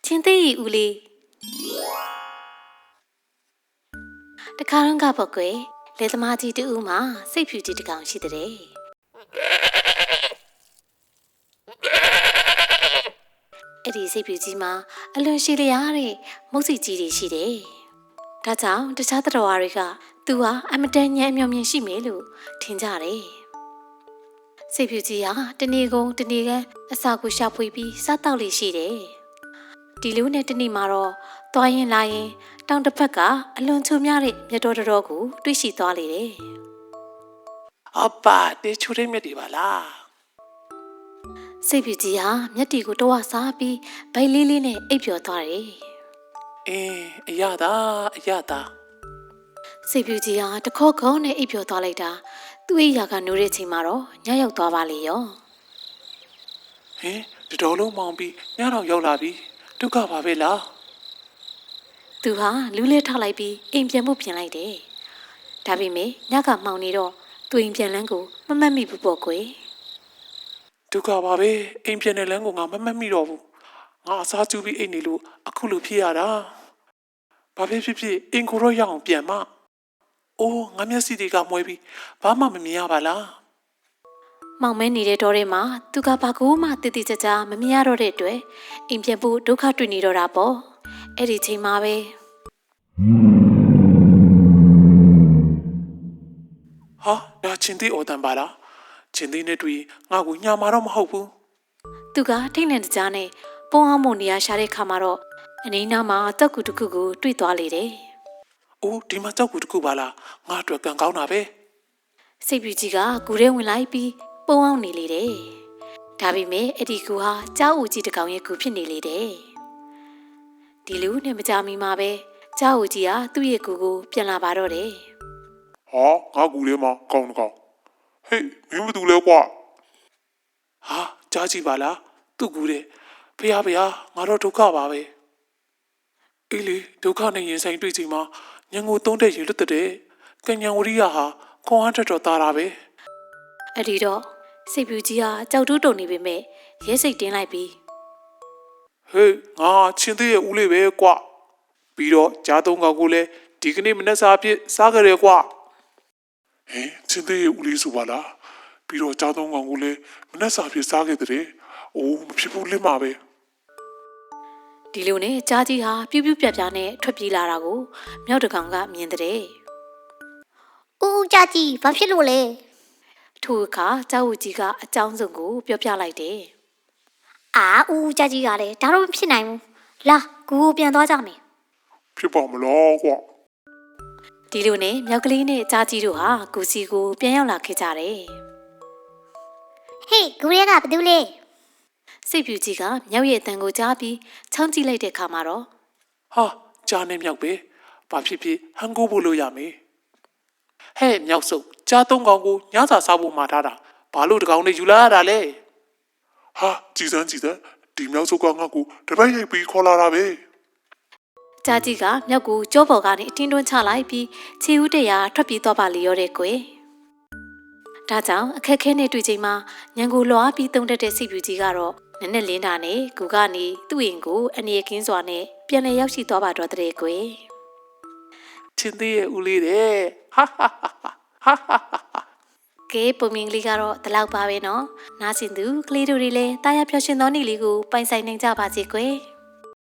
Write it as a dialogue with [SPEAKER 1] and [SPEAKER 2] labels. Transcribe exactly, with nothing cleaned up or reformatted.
[SPEAKER 1] ချင်းသေးရီဦးလေးတခါတော့ကပေါ့ကွယ်လေသမားကြီးတူဦးမှာစိတ်ဖြူကြီးတကောင်ရှိတဲ့အဲ့ဒီစိတ်ဖြူကြီးမှာအလွန်ရှိလျားတဲ့မုတ်စီကြီးတွေရှိတယ်။ဒါကြောင့်တခြားသတ္တဝါတွေကသူဟာအမတန်ညံ့အမြောင်မြင်ရှိမယ်လို့ထင်ကြတယ်။စိတ်ဖြူကြီးဟာတနေ့ကုန်တနေ့ကအစာကိုရှာဖွေပြီးစားတောက်လေးရှိတယ်။ဒီလိုနဲ့တနေ့မှာတော့သွားရင်လာရင်တောင်တစ်ဖက်ကအလွန်ချုံများတဲ့မြတ်တော်တော်ကိုတွေ့ရှိသွားလေတယ်
[SPEAKER 2] ။အပါတေချူရိမြတ်ဒီပါလား
[SPEAKER 1] ။စိတ်ဖြူကြီးဟာမျက်တီကိုတော့စားပြီးဗိုက်လေးလေးနဲ့အိပ်ပျော်သွားတယ်
[SPEAKER 2] ။အင်းအရသာအရသာ
[SPEAKER 1] စိတ်ဖြူကြီးဟာတခေါက်ခေါက်နဲ့အိပ်ပျော်သွားလိုက်တာသူ့အိယာကနိုးတဲ့ချိန်မှာတော့ညရောက်သွားပါလေရော
[SPEAKER 2] ။ဟင်တတော်လုံးမောင်ပြီးညတော့ရောက်လာပြီဒုက္ခပါပဲလား
[SPEAKER 1] ။သူဟာလူးလဲထောက်လိုက်ပြီးအိမ်ပြန်ဖို့ပြင်လိုက်တယ်။ဒါပေမဲ့ညကမှောင်နေတော့သူအိမ်ပြန်လန်းကိုမမှတ်မိဘူးပေါ့ကွယ်
[SPEAKER 2] ။ဒုက္ခပါပဲအိမ်ပြန်တဲ့လမ်းကိုငါမမှတ်မိတော့ဘူး။ငါအစားကျူးပြီးအိမ်နေလို့အခုလိုဖြစ်ရတာ။ဘာဖြစ်ဖြစ်ဖြစ်အိမ်ကိုတော့ရအောင်ပြန်မ။အိုးငါမျက်စိတွေကမွဲပြီးဘာမှမမြင်ရပါလား
[SPEAKER 1] ။မောင်မဲနေတဲ့တောထဲမှာသူကဘာကိုမှတည်တည်ကြကြမမြင်ရတော့တဲ့အတွက်အိမ်ပြန်ဖို့ဒုက္ခတွေ့နေတော့တာပေါ့။အဲ့ဒီချိန်မှာပဲ
[SPEAKER 2] ဟာဒါချင်းသေးအော်တန်ပါလားချင်းသေးနဲ့တွေ့ငါ့ကိုညမာတော့မဟုတ်ဘူး
[SPEAKER 1] သူကထိတ်လန့်တကြားနဲ့ပုံအောင်မုံနေရရှာတဲ့ခါမှာတော့အနီးနားမှာတောက်ကူတစ်ခုကိုတွေ့သွားလေတယ်
[SPEAKER 2] ။အိုးဒီမှာတောက်ကူတစ်ခုပါလားငါအတွက်ကံကောင်းတာပဲ
[SPEAKER 1] စိတ်ပြူကြီးကကူထဲဝင်လိုက်ပြီးပုံအောင်နေလေတယ်ဒါပေမဲ့အဲ့ဒီကူဟာကြောက်ဦးကြီးတစ်ကောင်ရဲ့ကူဖြစ်နေလေတယ်ဒီလူနဲ့မကြမီမှာပဲကြောက်ဦးကြီးဟာသူ့ရဲ့ကူကိုပြန်လာပါတော့တယ်
[SPEAKER 3] ဟာငါကူလေးမှာကောင်းတကောင်ဟေးမင်းမတူလဲကွာ
[SPEAKER 2] ဟာကြားကြည့်ပါလားသူ့ကူတဲ့ဖះဖះငါတော့ဒုက္ခပါပဲအေးလေဒုက္ခနဲ့ရင်ဆိုင်တွေ့ချိန်မှာညံကိုသုံးတဲ့ရေလွတ်တဲ့ကညံဝရိယဟာခွန်အားထက်တော်သားတာပဲ
[SPEAKER 1] အဲ့ဒီတော့စိတ်ပြူကြီးဟာကြောက်တူးတုန်နေပေမဲ့ရဲစိတ်တင်းလိုက်ပြီး
[SPEAKER 2] ဟေးငါချင်းသေးရဲ့ဦးလေးပဲကွာပြီးတော့ကြားသုံးကောင်ကိုလည်းဒီကနေ့မနေ့စာအဖြစ်စားကြရဲကွာ
[SPEAKER 3] ဟင်ချင်းသေးရဲ့ဦးလေးဆိုပါလားပြီးတော့ကြားသုံးကောင်ကိုလည်းမနေ့စာအဖြစ်စားခဲ့တဲ့အိုးမဖြစ်ဘူးလင်းပါပဲ
[SPEAKER 1] ဒီလိုနဲ့ကြားကြီးဟာပြူးပြူးပြပြနဲ့ထွက်ပြေးလာတာကိုမြောက်တကောင်ကမြင်တဲ့
[SPEAKER 4] ။ဦးဦးကြားကြီးဘာဖြစ်လို့လဲ
[SPEAKER 1] ။ထိုအခါကြောက်ဦးကြီးကအကြောင်းစုံကိုပြောပြလိုက်တယ်
[SPEAKER 4] ။အာဦးဦးကြားကြီးကလည်းဒါတော့မဖြစ်နိုင်ဘူး။လာကူကိုပြန်သွားကြမယ်
[SPEAKER 3] ။ဖြစ်ပါမလားကွာ
[SPEAKER 1] ။ဒီလိုနဲ့မြောက်ကလေးနဲ့ကြားကြီးတို့ဟာကူစီကိုပြန်ရောက်လာခဲ့ကြတယ်
[SPEAKER 4] ။ဟေးကူရဲကဘာတူလဲ
[SPEAKER 1] စိတ်ဖြူကြီးကမြောက်ရဲ့အတန်ကိုကြားပြီးချောင်းကြည့်လိုက်တဲ့အခါမှာတော့
[SPEAKER 2] ဟာကြားနေမြောက်ပဲဘာဖြစ်ဖြစ်ဟန်ကိုဖို့လို့ရမယ်ဟဲ့မြောက်စုပ်ကြားသုံးကောင်ကိုညစာစားဖို့မှာထားတာဘာလို့တကောင်နဲ့ယူလာရတာလဲ
[SPEAKER 3] ဟာကြည်စမ်းကြည်စမ်းဒီမြောက်စုပ်ကငါ့ကိုတပတ်ရိုက်ပြီးခေါ်လာတာပဲ
[SPEAKER 1] ကြားကြီးကမြောက်ကိုကြောပေါ်ကနေအတင်းတွန်းချလိုက်ပြီးခြေဦးတရာထွက်ပြေးသွားပါလေရောတဲ့ကွယ်ဒါကြောင့်အခက်ခဲနဲ့တွေ့ချိန်မှာညံကိုလွားပြီးတုံတက်တဲ့စိတ်ဖြူကြီးကတော့နက်နက်လင်းတာနဲ့ကူကနေသူ့အိမ်ကိုအနေရကင်းစွာနဲ့ပြန်လည်ရောက်ရှိသွားပါတော့တဲ့ကွယ်
[SPEAKER 2] ချင်းသေးရဲ့ဦးလေးတဲ့ဟာဟာဟာဟာ
[SPEAKER 1] ကဲပုံမြင်ကလေးကတော့ဒီလောက်ပါပဲเนาะနားဆင်သူကလေးတို့တွေလည်းတာယာပျော်ရွှင်သောနေ့လေးကိုပိုင်ဆိုင်နိုင်ကြပါစေကွယ်